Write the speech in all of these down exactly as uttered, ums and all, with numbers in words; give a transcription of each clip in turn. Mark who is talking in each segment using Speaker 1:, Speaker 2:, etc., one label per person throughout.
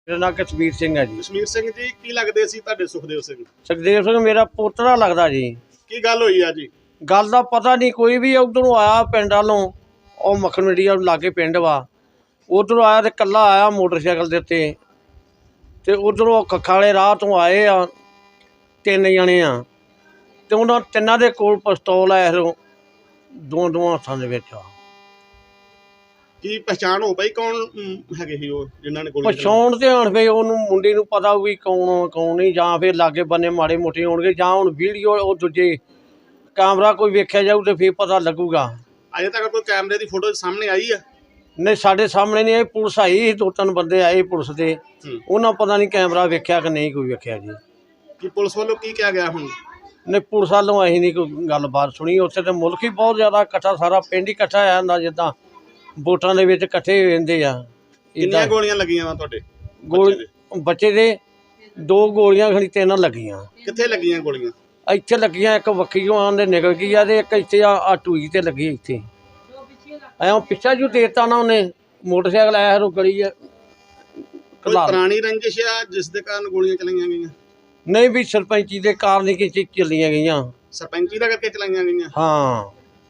Speaker 1: मेरा नाम कश्मीर सिंह है जी।
Speaker 2: कश्मीर सिंह जी की लगदे सी तुहाडे सुखदेव सिंह?
Speaker 1: सुखदेव सिंह मेरा पोतरा लगता जी।
Speaker 2: की गल होई आ जी?
Speaker 1: गल का पता नहीं, कोई भी उधरों आया पिंड वालों, और मक्खन मंडी लागे पिंड वा, उधरों आया तो कला आया मोटरसाइकिल के उत्ते, ते उधरों खक्खा वाले राह तो आए आ तीन जने आ, ते उन्हां तिन्नां दे कोल पिस्तौल है दो दो हत्थां दे विच आ।
Speaker 2: की पहचान हो पाई कौन हैगे ही वो जिन्हां ने गोली
Speaker 1: पछाण ते हण फिर ਉਹਨੂੰ ਮੁੰਡੇ ਨੂੰ ਪਤਾ ਵੀ ਕੌਣ ਕੌਣ ਨਹੀਂ, ਜਾਂ ਫਿਰ ਲਾਗੇ ਬੰਨੇ ਮਾੜੇ ਮੋਟੇ ਹੋਣਗੇ, ਜਾਂ ਹੁਣ ਵੀਡੀਓ ਉਹ ਦੂਜੇ ਕੈਮਰਾ ਕੋਈ ਵੇਖਿਆ ਜਾਊ ਤੇ ਫਿਰ ਪਤਾ ਲੱਗੂਗਾ।
Speaker 2: अजे तक कोई कैमरे की फोटो सामने आई है?
Speaker 1: नहीं साढ़े सामने नहीं आई, पुलिस आई दो तीन बंदे आए पुलिस के, उन्होंने पता नहीं कैमरा वेख्या कि नहीं कोई वेख्या जी।
Speaker 2: कि पुलिस वालों की क्या गया हुण?
Speaker 1: नहीं पुलिस वालों असीं नहीं कोई गलबात सुनी। उत्थे तो मुल्क ही बहुत ज़्यादा इकट्ठा, सारा पिंड ही इकट्ठा आ जांदा जिद्दां वोटां दे विच इकट्ठे हो जांदे आ।
Speaker 2: कितनियां गोलियां लगियां वा तुहाडे?
Speaker 1: गोली बच्चे दे दो गोलियां खड़ी तीन लगियां।
Speaker 2: कित्थे लगियां गोलियां?
Speaker 1: ਇੱਥੇ ਲੱਗੀਆਂ, ਇੱਕ ਵੱਖੀਓਂ ਆਂਦੇ ਨਿਕਲ ਗਈ ਆ, ਤੇ ਇੱਕ ਇੱਥੇ ਆ ਆ ਟੂਈ ਤੇ ਲੱਗੀ ਇੱਥੇ। ਐਂ ਪਿੱਛਾ ਜੂ ਦੇਤਾ ਨਾ ਉਹਨੇ, ਮੋਟਰਸਾਈਕਲ ਆਇਆ ਰੋ ਗਲੀ ਆ।
Speaker 2: कोई पुरानी रंजिश है जिस दे कारण गोलियां चलाईयां गईयां?
Speaker 1: नहीं भी सरपंची के कारण ही कि चलियां गईयां।
Speaker 2: सरपंची दा करके चलाईयां गईयां?
Speaker 1: हाँ।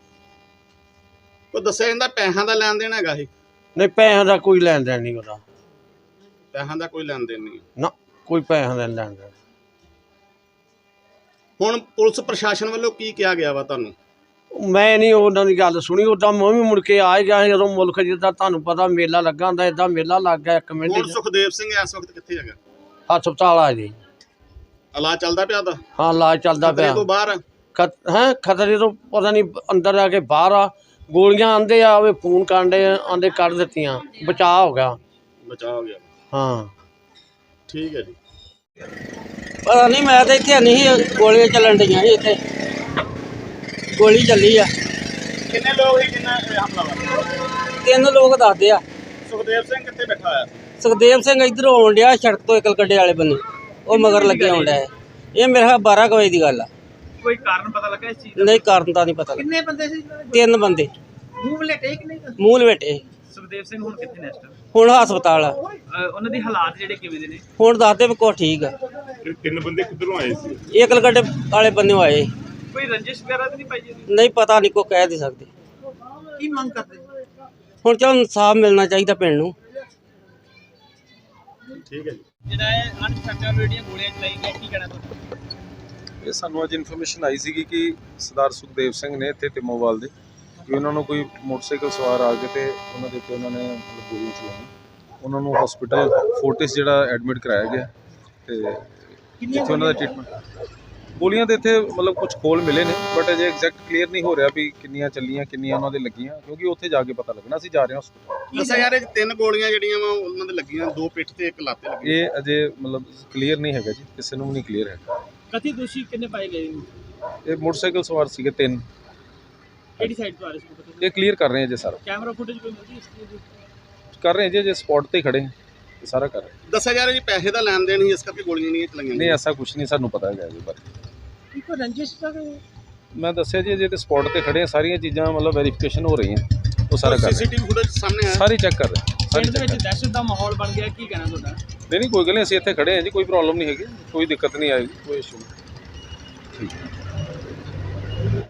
Speaker 2: तो दस्सिया जांदा पैसां दा लैन देन हैगा ही?
Speaker 1: नहीं पैसों का कोई लैन देन नहीं होता।
Speaker 2: पैसां दा कोई लैन देन नहीं
Speaker 1: ना, कोई पैसों का लैन देन।
Speaker 2: हुण पुलिस प्रशासन वालों की किया गया वा तुहानूं?
Speaker 1: मैं नहीं उन्हों की गल सुनी, उदा मैं भी मुड़ के आ गया जो मुल्क जिदा तुहानूं पता मेला लगा हुंदा, इदा मेला लग गया एक मिनट।
Speaker 2: हुण सुखदेव सिंह इस वक्त कित्थे हैगा?
Speaker 1: हस्पताल आ जी।
Speaker 2: इलाज चलदा पिया दा?
Speaker 1: हाँ इलाज चलदा पिया।
Speaker 2: तो बाहर
Speaker 1: खत हैं खतरे तो पता नहीं अंदर आके बाहर आ। गोलियां आंदे आ, वे फोन कांडे आंदे कढ़ दित्तियां, बचाव हो गया।
Speaker 2: बचाव हो गया?
Speaker 1: हाँ
Speaker 2: ठीक है जी।
Speaker 3: पता नहीं, मैं तो इतने नहीं, गोलियां चलन डी इतने गोली चली आ।
Speaker 2: कितने लोग ही कितना हमलावर?
Speaker 3: तीन लोग दसदे आ।
Speaker 2: सुखदेव सिंह कित्थे बैठा है?
Speaker 3: सुखदेव सिंह इधर आउण डिया सड़क तो इकल गड्ढे वाले बन्ने, वो मगर लगे आउण डिया। ये मेरे ख्याल बारह कुछ बजे की गल आ।
Speaker 4: कोई कारण पता लगा इस चीज का?
Speaker 3: नहीं कारण तो नहीं पता।
Speaker 4: कितने बंदे सी?
Speaker 3: तीन बंदे
Speaker 4: मूव लटे कि नहीं?
Speaker 3: मूल बेटे।
Speaker 4: सुखदेव सिंह हुण कित्थे नेस्ट?
Speaker 3: हुण हस्पताल आ।
Speaker 4: ਉਹਨਾਂ ਦੇ ਹਾਲਾਤ ਜਿਹੜੇ ਕਿਵੇਂ ਦੇ ਨੇ?
Speaker 3: हुण दसदे भी कुछ ठीक आ।
Speaker 2: तीन बंदे किधरों आए सी?
Speaker 3: ये इकल गड्ढे वाले बन्ने आए।
Speaker 4: ਕੋਈ ਰੰਜਿਸ਼ ਵਗੈਰਾ ਤਾਂ ਨਹੀਂ ਪਾਈ ਜੀ?
Speaker 3: नहीं पता नहीं, को कह नहीं सकते।
Speaker 4: ਕੀ ਮੰਗ ਕਰਦੇ?
Speaker 3: हुण चल इंसाफ मिलना चाहिए पिंड नूं।
Speaker 2: ठीक है जी।
Speaker 4: ਜਿਹੜਾ ਇਹ ਅਨਸਟਰਕਚਰਡ ਜਿਹੜੀਆਂ ਗੋਲੀਆਂ ਚਲਾਈ ਗਈਆਂ, ਕੀ ਕਹਿਣਾ ਤੁਹਾਡਾ?
Speaker 5: ਇਹ ਸਾਨੂੰ ਅੱਜ ਇਨਫੋਰਮੇਸ਼ਨ ਆਈ ਸੀਗੀ ਕਿ ਸਰਦਾਰ ਸੁਖਦੇਵ ਸਿੰਘ ਨੇ ਇੱਥੇ ਤਿਮੋਵਾਲ ਦੇ, ਕਿ ਉਹਨਾਂ ਨੂੰ ਕੋਈ ਮੋਟਰਸਾਈਕਲ ਸਵਾਰ ਆ ਕੇ ਤੇ ਉਹਨਾਂ ਦੇ ਉੱਤੇ ਉਹਨਾਂ ਨੇ ਮਤਲਬ ਗੋਲੀਆਂ ਚਲਾਈਆਂ। ਉਹਨਾਂ ਨੂੰ ਹਸਪੀਟਲ ਫੋਰਟਿਸ ਜਿਹੜਾ ਐਡਮਿਟ ਕਰਾਇਆ ਗਿਆ, ਤੇ ਜਿੱਥੇ ਉਹਨਾਂ ਦਾ ਟ੍ਰੀਟਮੈਂਟ। ਗੋਲੀਆਂ ਦੇ ਇੱਥੇ ਮਤਲਬ ਕੁਝ ਖੋਲ ਮਿਲੇ ਨੇ, ਬਟ ਅਜੇ ਐਗਜ਼ੈਕਟ ਕਲੀਅਰ ਨਹੀਂ ਹੋ ਰਿਹਾ ਵੀ ਕਿੰਨੀਆਂ ਚੱਲੀਆਂ, ਕਿੰਨੀਆਂ ਉਹਨਾਂ ਦੇ ਲੱਗੀਆਂ, ਕਿਉਂਕਿ ਉੱਥੇ ਜਾ ਕੇ ਪਤਾ ਲੱਗਣਾ। ਅਸੀਂ ਜਾ ਰਹੇ ਹਾਂ ਹਸਪੀਟਲ।
Speaker 2: ਦੱਸਿਆ ਯਾਰ ਇਹ ਤਿੰਨ ਗੋਲੀਆਂ ਜਿਹੜੀਆਂ ਵਾ ਉਹਨਾਂ ਦੇ ਲੱਗੀਆਂ, ਦੋ ਪਿੱਠ ਤੇ ਇੱਕ ਲੱਤ ਤੇ ਲੱਗੀ।
Speaker 5: ਇਹ ਅਜੇ ਮਤਲਬ ਕਲੀਅਰ ਨਹੀਂ ਹੈਗਾ ਜੀ, ਕਿਸੇ ਨੂੰ ਵੀ ਨਹੀਂ ਕਲੀਅਰ ਹੈਗਾ।
Speaker 4: ਕਥਿਤ ਦੋਸ਼ੀ ਕਿੰਨੇ ਪਾਏ ਗਏ ਨੇ?
Speaker 5: ਇਹ ਮੋਟਰਸਾਈਕਲ ਸਵਾਰ ਸੀਗੇ ਤਿੰਨ।
Speaker 4: ਕਿਹੜੀ ਸਾਈਡ ਤੋਂ ਆ ਰਹੇ ਸੀ?
Speaker 5: ਇਹ ਕਲੀਅਰ ਕਰ ਰਹੇ ਹਾਂ ਜੇ ਸਾਰਾ
Speaker 4: ਕੈਮਰਾ ਫੁਟੇਜ ਕੋਈ ਮਿਲਦੀ ਇਸ ਚੀਜ਼ ਦੀ?
Speaker 5: ਕਰ ਰਹੇ ਹਾਂ ਜੇ ਸਪੌਟ ਤੇ ਖੜੇ ਹਾਂ, ਇਹ ਸਾਰਾ ਕਰ ਰਹੇ ਹਾਂ।
Speaker 2: ਦੱਸਿਆ ਯਾਰ ਜੀ ਪੈਸੇ ਦਾ ਲੈਣ ਦੇਣ ਸੀ, ਇਸ ਕਰਕੇ ਗੋਲੀਆਂ ਨਹੀਂ ਚਲਾਈਆਂ।
Speaker 5: ਨਹੀਂ ਐਸਾ ਕੁਝ ਨਹੀਂ ਸਾਨੂੰ ਪਤਾ ਹੈਗਾ ਇਹਦੇ ਬਾਰੇ।
Speaker 4: ਕੋਈ ਰੰਜਿਸ਼ ਤਾਂ
Speaker 5: ਮੈਂ ਦੱਸਿਆ ਜੀ ਜੇ ਤੇ ਸਪੌਟ ਤੇ ਖੜੇ ਆ, ਸਾਰੀਆਂ ਚੀਜ਼ਾਂ ਮਤਲਬ ਵੈਰੀਫਿਕੇਸ਼ਨ ਹੋ ਰਹੀਆਂ, ਉਹ ਸਾਰਾ ਕਰ ਰਹੇ
Speaker 2: ਸੀਸੀਟੀਵੀ ਫੁਟੇਜ ਸਾਹਮਣੇ ਆਇਆ?
Speaker 5: ਸਾਰੀ ਚੈੱਕ ਕਰ ਰਹੇ ਸਾਰੀ
Speaker 4: ਪਿੰਡ ਦੇ
Speaker 5: ਚੈੱਕ
Speaker 4: ਵਿੱਚ ਦਹਿਸ਼ਤ ਦਾ ਮਾਹੌਲ ਬਣ ਗਿਆ, ਕੀ ਕਹਿਣਾ ਤੁਹਾਡਾ?
Speaker 5: ਨਹੀਂ ਨਹੀਂ ਕੋਈ ਗੱਲ ਨਹੀਂ, ਅਸੀਂ ਇੱਥੇ ਖੜੇ ਹਾਂ ਜੀ, ਕੋਈ ਪ੍ਰੋਬਲਮ ਨਹੀਂ ਹੈਗੀ, ਕੋਈ ਦਿੱਕਤ ਨਹੀਂ ਆਏਗੀ, ਕੋਈ ਇਸ਼ੂ ਨਹੀਂ। ਠੀਕ ਹੈ।